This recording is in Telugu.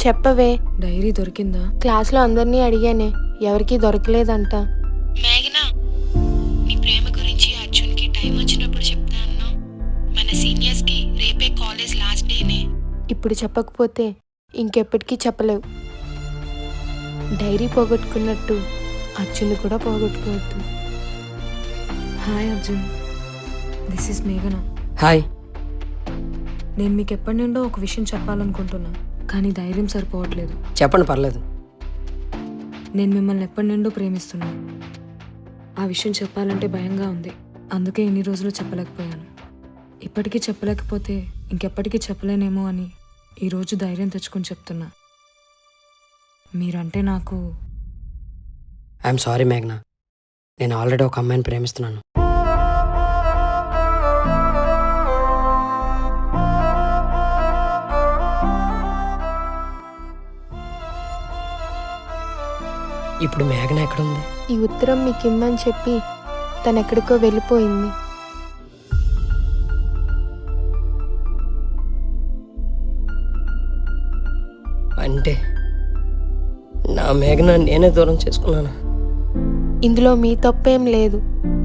చెప్పవే. డైరీ దొరికిందా? క్లాస్లో అందరినీ అడిగానే, ఎవరికీ దొరకలేదంట. మేఘనా, నీ ప్రేమ గురించి అర్జున్కి టైం వచ్చినప్పుడు చెప్తా అన్నావు. మన సీనియర్స్కి రేపే కాలేజ్ లాస్ట్ డేనే. ఇప్పుడు చెప్పకపోతే ఇంకెప్పటికీ చెప్పలేవు. డైరీ పోగొట్టుకున్నట్టు అర్జున్ కూడా పోగొట్టుకోవద్దు. హాయ్ అర్జున్, దిస్ ఇస్ మేఘన. హాయ్. నేను మీకు ఎప్పటి నుండో ఒక విషయం చెప్పాలనుకుంటున్నా, కానీ ధైర్యం సరిపోవట్లేదు. చెప్పండి, పర్లేదు. నేను మిమ్మల్ని ఎప్పటి నుండో ప్రేమిస్తున్నాను. ఆ విషయం చెప్పాలంటే భయంగా ఉంది, అందుకే ఇన్ని రోజులు చెప్పలేకపోయాను. ఇప్పటికీ చెప్పలేకపోతే ఇంకెప్పటికీ చెప్పలేనేమో అని ఈరోజు ధైర్యం తెచ్చుకొని చెప్తున్నా. మీరంటే నాకు ఐఎమ్ సారీ మేఘనా, నేను ఆల్రెడీ ఒక అమ్మాయిని ప్రేమిస్తున్నాను. ఇప్పుడు మేఘన ఎక్కడుంది? ఈ ఉత్తరం మీకు ఇమ్మని చెప్పి తనెక్కడికో వెళ్ళిపోయింది. అంటే నా మేఘన నేనే దూరం చేసుకున్నాను. ఇందులో మీ తప్పేం లేదు.